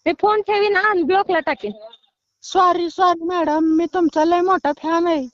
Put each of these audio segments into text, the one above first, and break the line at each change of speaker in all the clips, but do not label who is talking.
मी phone ठेवीन आणि ब्लॉकला टाकेन.
सॉरी मॅडम, मी तुमचा लय मोठा फॅन आहे.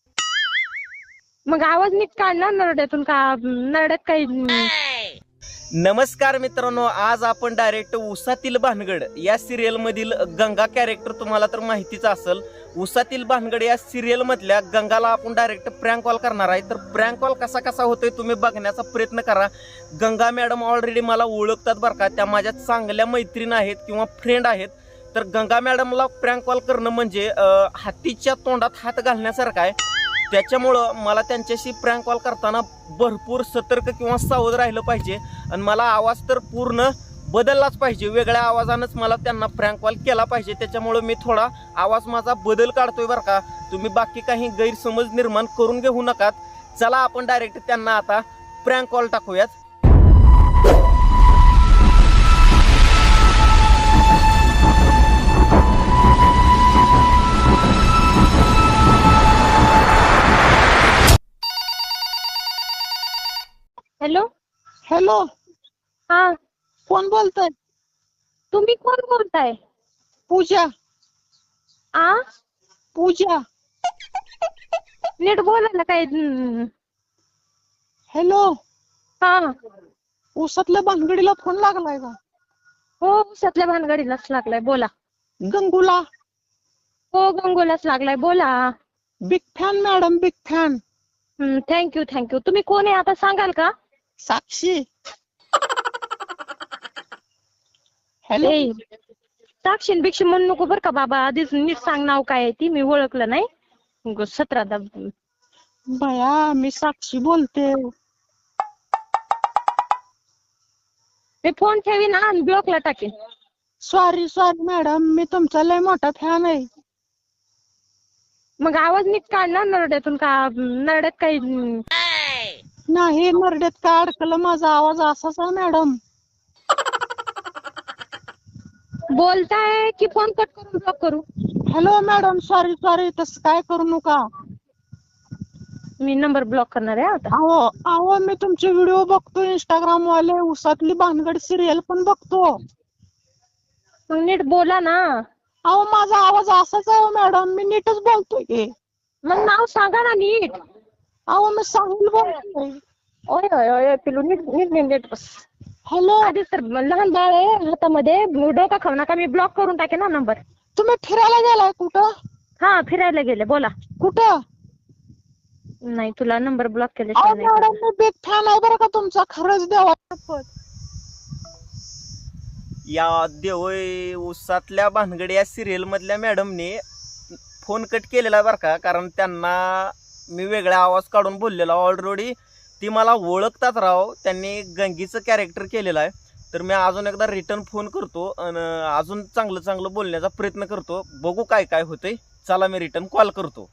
मग आवाज नीट काढ ना नरड्यातून. का नरड्यात काही
नमस्कार मित्रांनो, आज आपण डायरेक्ट उसातील भानगड या सिरियल मधील गंगा कॅरेक्टर तुम्हाला तर माहितीच असेल. उसातील भानगड या सिरियल मधल्या गंगाला आपण डायरेक्ट प्रँक कॉल करणार आहे. तर प्रँक कॉल कसा कसा होतोय तुम्ही बघण्याचा प्रयत्न करा. गंगा मॅडम ऑलरेडी मला ओळखतात बरं का, त्या माझ्या चांगल्या मैत्रीण आहेत किंवा फ्रेंड आहेत. तर गंगा मॅडमला प्रँक कॉल करणं म्हणजे हातीच्या तोंडात हात घालण्यासारखं आहे. त्याच्यामुळं मला त्यांच्याशी प्रँक कॉल करताना भरपूर सतर्क किंवा सावध राहिलं पाहिजे. आणि मला आवाज तर पूर्ण बदललाच पाहिजे, वेगळ्या आवाजानंच मला त्यांना प्रँक कॉल केला पाहिजे. त्याच्यामुळं मी थोडा आवाज माझा बदल काढतोय बरं का. तुम्ही बाकी काही गैरसमज निर्माण करून घेऊ नकात. चला आपण डायरेक्ट त्यांना आता प्रँक कॉल टाकूयात.
हॅलो.
हॅलो,
हा,
कोण बोलताय?
तुम्ही कोण बोलताय?
पूजा.
आ
पूजा.
नीट बोला ना. काय
हॅलो,
हा,
उसातल्या भानगडीला फोन लागलाय का?
हो, उसातल्या भानगडीलाच लागलाय. बोला.
गंगूला.
हो, गंगोलाच लागलाय. बोला.
Big fan madam, big fan.
Thank you. तुम्ही कोण आहे आता सांगाल का?
साक्षी. हॅलो.
ए, साक्षी बिक्षी म्हणू नको बरं का बाबा. आधीच नीट सांग नाव काय आहे ती. मी ओळखलं नाही. 17दा.
बया, मी साक्षी बोलते.
मी फोन ठेवीन आणि ब्लॉकला टाकेन.
सॉरी मॅडम, मी तुमचा लय मोठा फॅन आहे.
मग आवाज नीट काढ ना नरड्यातून. का नरड्यात काही
नाही, नरड्यात काय अडकलं? माझा आवाज असाच आहे मॅडम.
बोलताय की फोन कट करून ब्लॉक करू?
हॅलो मॅडम, सॉरी, तसं काय करू नका.
मी नंबर ब्लॉक करणार आहे आता.
अहो, मी तुमचे व्हिडिओ बघतो इंस्टाग्राम वाले. उसातली भानगड सिरियल पण बघतो.
मग नीट बोला ना.
अहो, माझा आवाज असाच आहे मॅडम, मी नीटच बोलतोय की.
मग नाव सांगा ना नीट.
अहो, मी सांगून बोलतोय.
ओय पिलू, नीट बस.
हॅलो.
आधीच तर लहान बाळ आहे हातामध्ये. डोका खाऊ नका. मी ब्लॉक करून टाकेन ना नंबर.
तुम्ही फिरायला गेलाय कुठं?
हा, फिरायला गेले. बोला.
कुठं?
नाही, तुला नंबर ब्लॉक
अहो
केल्याशिवाय नाही.
मॅडम, मी बिग फॅन आहे बरं का तुमचा. खरंच देवा.
या देवय उसातल्या भानगड या सिरियल मधल्या मॅडमने फोन कट केलेला बरं का, कारण त्यांना मी वेगळा आवाज काढून बोललेला. ऑलरेडी ती मला ओळखतात राव. त्यांनी गंगीचं कॅरेक्टर केलेलं आहे. तर मी अजून एकदा रिटर्न फोन करतो आणि अजून चांगलं बोलण्याचा प्रयत्न करतो. बघू काय काय होतंय. चला, मी रिटर्न कॉल करतो.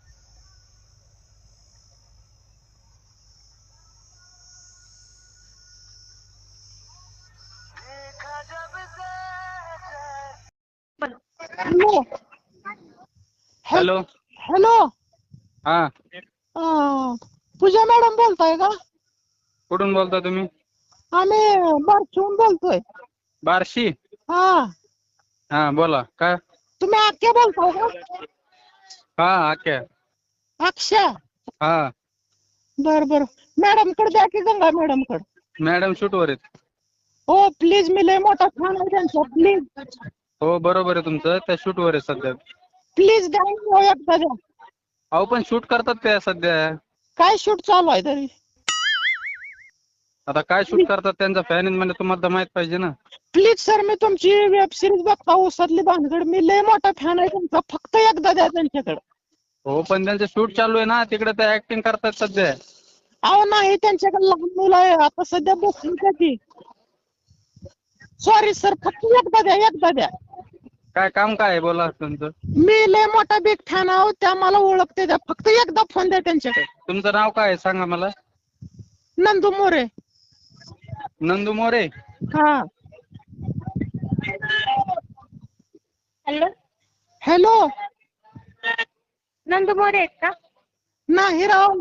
हॅलो.
हॅलो.
हॅलो.
हा,
पूजा मॅडम बोलताय का?
कुठून बोलता तुम्ही?
आम्ही बारशिहून बोलतोय.
बार्शी.
हा,
हा, बोला. काय?
तुम्ही आख्या बोलताय का?
हा, आख्या.
अक्षा.
हा,
बर. मॅडम कडे द्या की, गंगा मॅडम कडे.
मॅडम शूटवर आहेत.
हो प्लीज, मी लय मोठा फॅन आहे त्यांचा. प्लीज
हो, बरोबर आहे तुमचं. त्या शूटवर आहे सध्या.
प्लीज द्या, एकदा द्या.
अहो, पण शूट करतात त्या सध्या.
काय शूट चालू आहे तरी?
आता काय शूट करतात, त्यांचा फॅन म्हणजे तुम्हाला तर माहित पाहिजे ना.
प्लीज सर, मी तुमची वेब सिरीज बघता, उसातली भानगड. मी लय मोठा फॅन आहे तुमचा. फक्त एकदा द्या त्यांच्याकडे.
हो, पण त्यांचं शूट चालू आहे ना तिकडे. ते ऍक्टिंग करतात सध्या.
अहो नाही, त्यांच्याकडे लहान मुलं आहे आता सध्या. बसून त्याची. सॉरी सर, फक्त एकदा द्या.
काय काम काय आहे बोला तुमचं?
मी लय मोठा बिग फॅन आहोत, त्या मला ओळखते. द्या फक्त एकदा फोन द्या त्यांच्याकडे.
तुमचं नाव काय आहे सांगा मला.
नंदू मोरे.
नंदू मोरे.
हा.
हॅलो.
हॅलो.
नंदू मोरे आहेत का?
नाही राव.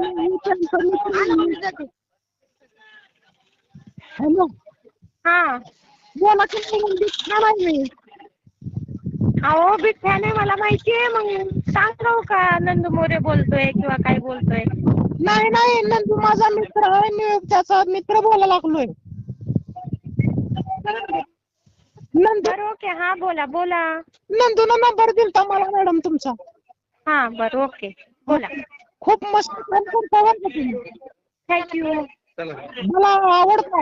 हॅलो.
हा,
बोला की, बिग फॅन आहे मी.
अहो बिग फॅन आहे मला माहितीये. मग सांगाव का नंदू मोरे बोलतोय किंवा काय बोलतोय?
नाही नाही, नंदू माझा मित्र आहे, मी त्याचा मित्र बोलायला लागलोय. नंदू
बरं ओके, हा बोला बोला.
नंदूनं नंबर दिलता मला मॅडम तुमचा.
हा बरं ओके बोला.
खूप मस्त काम करता बरं का तुम्ही.
थँक्यू.
मला आवडतं.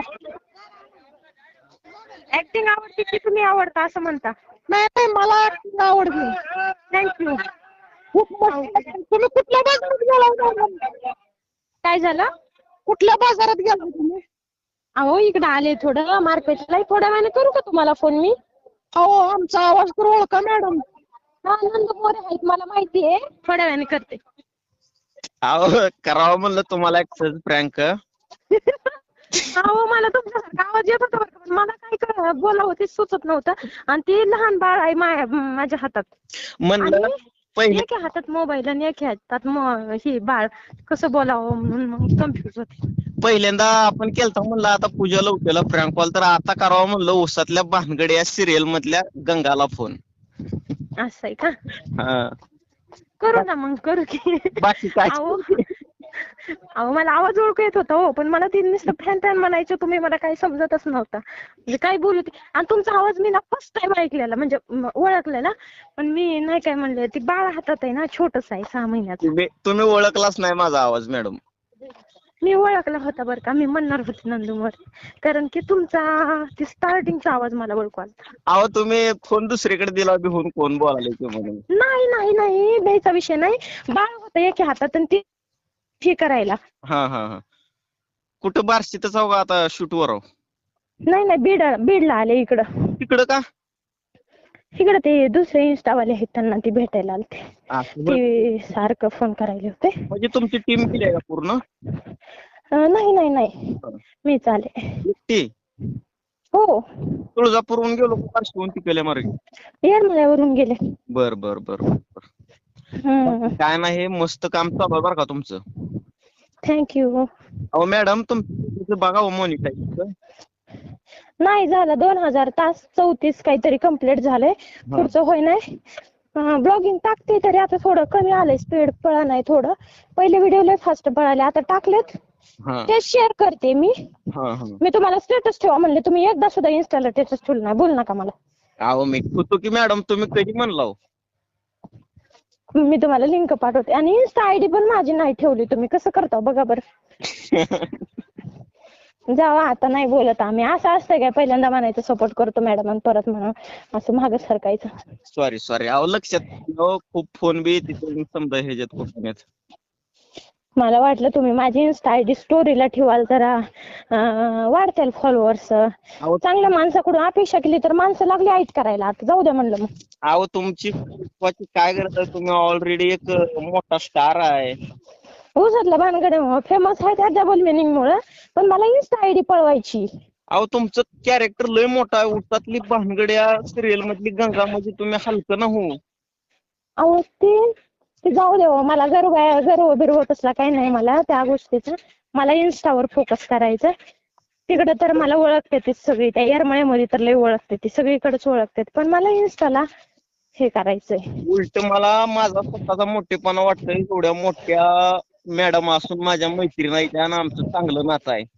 ऍक्टिंग आवडते की तुम्ही आवडता असं म्हणता?
नाही नाही, मला acting आवडते.
थँक्यू.
खूप मस्त. तुम्ही कुठल्या बाजारात गेला मॅडम?
काय झालं?
कुठल्या बाजारात गेला तुम्ही?
अहो इकडे आले थोडं मार्केटला. थोड्या वेळाने करू का तुम्हाला फोन मी?
अहो आमचा आवाज तर ओळखा मॅडम.
हा नंदू मोरे आहेत मला माहिती आहे. थोड्या वेळाने करते.
अहो करावं म्हणलं तुम्हाला एक सहज प्रँक.
अहो मला तुमचा आवाज येत होता बरं का, पण मला काय बोलावं ते सुचत नव्हतं. आणि ते लहान बाळ आहे माझ्या हातात.
म्हणलं
आणि
पहिले
एका हातात मोबाईल आणि एका हातात हे बाळ, कसं बोलावं म्हणून मग कन्फ्युज होते.
पहिल्यांदा आपण केलता म्हणलं आता पूजाला उठलेला प्रँक कॉल, तर आता करावं म्हणलं उसातल्या भानगड या सिरियल मधल्या गंगाला फोन.
असं आहे का?
हा.
करू ना मग करू की.
बाकी काय?
अहो मला आवाज ओळखू येत होता हो, पण मला ते नुसतं फॅन फॅन म्हणायचं तुम्ही, मला काही समजतच नव्हता म्हणजे काय बोलू ते. आणि तुमचा आवाज मी ना फर्स्ट टाइम ऐकलेला, म्हणजे ओळखलेला, पण मी नाही काय म्हणले. ती बाळ हातात आहे ना, छोटस आहे 6 महिन्याचं.
तुम्ही ओळखलाच नाही माझा आवाज मॅडम.
मी ओळखला होता बरं का, मी म्हणणार होते नंदू मोरे, कारण की तुमचा ती स्टार्टिंगचा आवाज मला ओळखू आला.
अहो तुम्ही फोन दुसरीकडे दिला बिहून कोण बोलायला ते म्हणून.
नाही नाही नाही, द्यायचा विषय नाही. बाळ होतं एका हातात आणि ती हे करायला.
हा हा हा. कुठं बार्शीतच आहो का आता शूटवर आहो?
नाही नाही, बीडला आले इकडं.
तिकडं का?
इकडं ते दुसरे इन्स्टावाले आहेत, त्यांना ती भेटायला आलते.
असं बरं.
ते सारखं फोन करायला होते.
म्हणजे तुमची टीम केली आहे का पूर्ण?
नाही नाही नाही, मीच आले.
एकटी?
हो,
तुळजापूरहून गेलो का बार्शीहून तिकडल्या मार्गे?
येरमाळ्यावरून गेले.
बर बर बर बर. काय नाही, हे मस्त काम चालू आहे बरं का तुमचं.
थँक्यू.
अहो मॅडम तुमचं बघा हो मॉनिटाईज.
नाही झालं, 2000 तास 34 काहीतरी कम्प्लीट झालंय. पुढचं होय नाही. ब्लॉगिंग टाकते तरी आता थोडं कमी आलंय, स्पीड पळा नाही थोडं. पहिले व्हिडिओ लय फास्ट पळाले, आता टाकलेत ते शेअर करते मी. मी तुम्हाला स्टेटस ठेवा म्हणले, तुम्ही एकदा सुद्धा इन्स्टाला स्टेटस ठेवलं नाही. बोल नका मला.
अहो मी होतो की मॅडम, तुम्ही कधी म्हणला?
मी तुम्हाला लिंक पाठवते. आणि इन्स्टा आयडी पण माझी नाही ठेवली तुम्ही, कसं करता बघा बरं. जावा, आता नाही बोलत आम्ही. असं असतंय काय, पहिल्यांदा म्हणायचं सपोर्ट करतो मॅडम आणि परत म्हणा असं मागं सरकायचं.
सॉरी. अहो लक्षात खूप फोन बी तिथे समजा ह्याच्यात कुठण्यात.
मला वाटलं तुम्ही माझी इन्स्टा आयडी स्टोरीला ठेवाल जरा वाढतील फॉलोअर्स. चांगल्या माणसाकडून अपेक्षा केली तर माणसं लागली आईट करायला. आता जाऊ द्या म्हणलं मग.
अहो तुमची काय गरज आहे, तुम्ही ऑलरेडी एक मोठा स्टार आहे.
उसातल्या भानगडे फेमस आहे त्या डबल मिनिंग मुळे, पण मला इन्स्टा आयडी पळवायची.
अहो तुमचं कॅरेक्टर लय मोठा आहे. उसातली भानगड या सिरियल मधली गंगा, म्हणजे तुम्ही हलकं ना हो.
अहो ते जाऊ दे, मला गर्व बिर्व तसला काही नाही मला त्या गोष्टीचं. मला इन्स्टावर फोकस करायचं. तिकडे तर मला ओळखते ती सगळी, त्या येरमाळ्यामध्ये तर लय ओळखते ती, सगळीकडेच ओळखते. पण मला इन्स्टाला हे करायचंय.
उलट मला माझा स्वतःचा मोठेपणा वाटतंय, एवढ्या मोठ्या मॅडम असून माझ्या मैत्रीण आहे त्या, आणि आमचं चांगलं नातं आहे.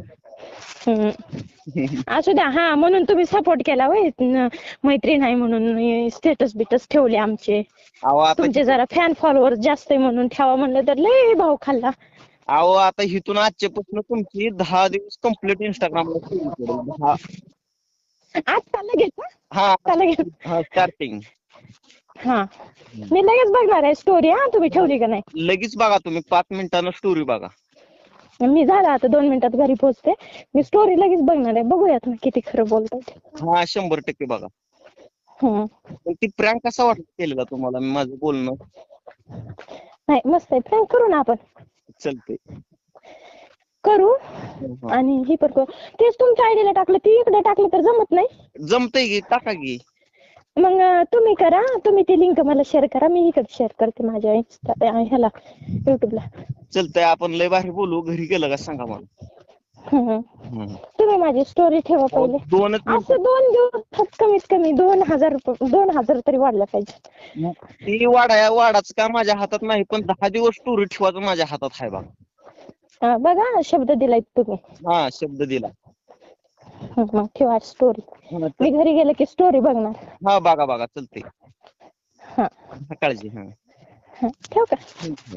असू द्या. हा म्हणून तुम्ही सपोर्ट केला होय, मैत्रीण आहे म्हणून स्टेटस बिटस ठेवले आमचे. तुमचे जरा फॅन फॉलोअर जास्त आहे म्हणून ठेवा म्हणलं तर लय भाव खाल्ला.
अहो आता इथून आजच्यापासून तुमची 10 दिवस कम्प्लीट इंस्टाग्रामला सुरू करेल. 10.
आता लगेच?
हा
आता लगेच?
हा स्टार्टिंग.
हा मी लगेच बघणार आहे स्टोरी. हा तुम्ही ठेवली का नाही?
लगेच बघा तुम्ही, 5 मिनिटांना स्टोरी बघा.
मी झालं आता 2 मिनिटात घरी पोहोचते. मी स्टोरी लगेच बघणार आहे. बघूयात ना किती खरं बोलतात.
हा 100% बघा. पण ती प्रँक कसा वाटत केलेला तुम्हाला माझं बोलणं?
नाही मस्त आहे. प्रँक करू ना आपण.
चलते
करू. आणि ही पण करू. तेच तुमच्या आयडीला टाकलं, ती इकडे टाकलं तर जमत नाही.
जमतंय की, टाका की.
मग तुम्ही करा, तुम्ही ती लिंक मला शेअर करा, मी इकडे शेअर करते माझ्या ह्याला युट्यूबला.
चलतंय, आपण लय भारी बोलू. घरी गेलं का सांगा मला.
तुम्ही माझी स्टोरी ठेवा पहिले.
दोनच
असं 2 दिवसात कमीत कमी 2,000 तरी वाढल्या पाहिजे.
ती वाडाच का माझ्या हातात नाही, पण 10 दिवस स्टोरी ठेवायचं माझ्या हातात आहे बघा.
बघा शब्द दिलाय तुम्ही.
हा शब्द दिला.
मग ठेवा स्टोरी. मी घरी गेले की स्टोरी बघणार.
हा बघा चलते.
हा
काळजी. हा
ठेव का.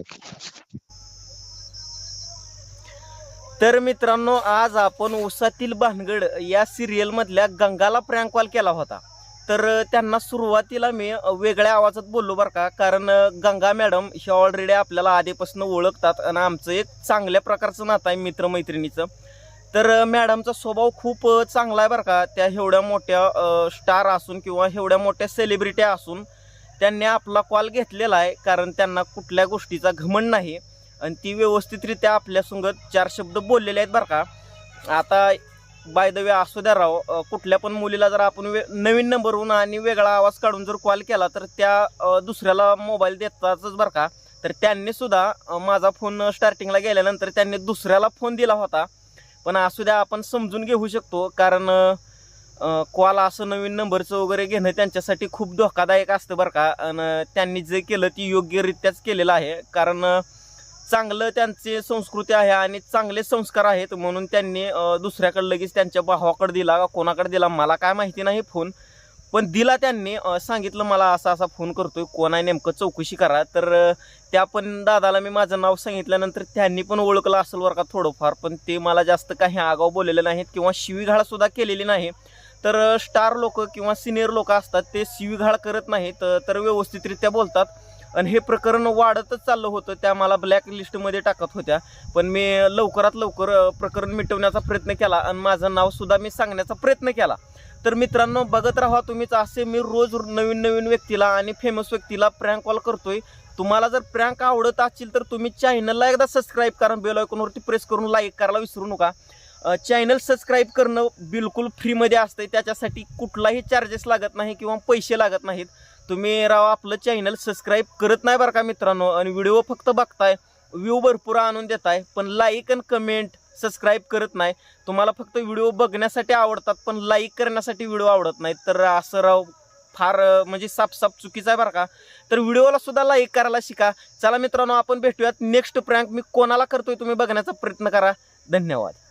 तर मित्रांनो, आज आपण उसातील भानगड या सिरियल मधल्या गंगाला प्रँक कॉल केला होता. तर त्यांना सुरुवातीला मी वेगळ्या आवाजात बोललो बरं का, कारण गंगा मॅडम ह्या ऑलरेडी आपल्याला आधीपासून ओळखतात आणि आमचं एक चांगल्या प्रकारचं नातं आहे मित्रमैत्रिणीचं. तर मॅडमचा स्वभाव खूप चांगला आहे बरं का. त्या एवढ्या मोठ्या स्टार असून किंवा एवढ्या मोठ्या सेलिब्रिटी असून त्यांनी आपला कॉल घेतलेला आहे, कारण त्यांना कुठल्या गोष्टीचा घमंड नाही आणि ती व्यवस्थितरित्या आपल्यासंगत 4 शब्द बोललेले आहेत बरं का. आता बाय द वे असू द्या राव, कुठल्या पण मुलीला जर आपण नवीन नंबरवरून आणि वेगळा आवाज काढून जर कॉल केला तर त्या दुसऱ्याला मोबाईल देतातच बरं का. तर त्यांनी सुद्धा माझा फोन स्टार्टिंगला गेल्यानंतर त्यांनी दुसऱ्याला फोन दिला होता, पण असू द्या आपण समजून घेऊ शकतो, कारण कॉल असं नवीन नंबरचं वगैरे घेणं त्यांच्यासाठी खूप धोकादायक असतं बरं का. आणि त्यांनी जे केलं ती योग्यरित्याच केलेलं आहे, कारण चांगलं त्यांची संस्कृती आहे आणि चांगले संस्कार आहेत म्हणून त्यांनी दुसऱ्याकडे लगेच त्यांच्या भावाकडे दिला का कोणाकडे दिला मला काय माहिती नाही फोन, पण दिला त्यांनी. सांगितलं मला असा असा फोन करतोय, कोण आहे नेमकं चौकशी करा. तर त्या पण दादाला मी माझं नाव सांगितल्यानंतर त्यांनी पण ओळखलं असेल बरं का थोडंफार, पण ते मला जास्त काही आगाऊ बोललेले नाहीत किंवा शिवीघाळ सुद्धा केलेली नाही. तर स्टार लोक किंवा सिनियर लोक असतात ते शिवीघाळ करत नाहीत, तर व्यवस्थितरित्या बोलतात. आणि हे प्रकरण वाढतच चाललं होतं, त्या मला ब्लॅक लिस्टमध्ये टाकत होत्या, पण मी लवकरात लवकर प्रकरण मिटवण्याचा प्रयत्न केला आणि माझं नाव सुद्धा मी सांगण्याचा प्रयत्न केला. तर मित्रांनो, बघत राहा तुम्हीच असे मी रोज नवीन नवीन व्यक्तीला आणि फेमस व्यक्तीला प्रँक कॉल करतोय. तुम्हाला जर प्रँक आवडत असेल तर तुम्ही चॅनलला एकदा सबस्क्राईब करा, बेल आयकॉनवरती प्रेस करून लाईक करायला विसरू नका. चॅनल सबस्क्राईब करणं बिलकुल फ्रीमध्ये असतं, त्याच्यासाठी कुठलाही चार्जेस लागत नाही किंवा पैसे लागत नाहीत. तुम्ही राव आपलं चॅनल सबस्क्राईब करत नाही बरं का मित्रांनो, आणि व्हिडिओ फक्त बघताय, व्ह्यू भरपूर आणून देताय, पण लाईक आणि कमेंट सबस्क्राईब करत नाही. तुम्हाला फक्त व्हिडिओ बघण्यासाठी आवडतात पण लाईक करण्यासाठी व्हिडिओ आवडत नाहीत, तर असं राव फार म्हणजे साफ चुकीचं आहे बरं का. तर व्हिडिओला सुद्धा लाईक करायला शिका. चला मित्रांनो, आपण भेटूयात नेक्स्ट प्रँक. मी कोणाला करतोय तुम्ही बघण्याचा प्रयत्न करा. धन्यवाद.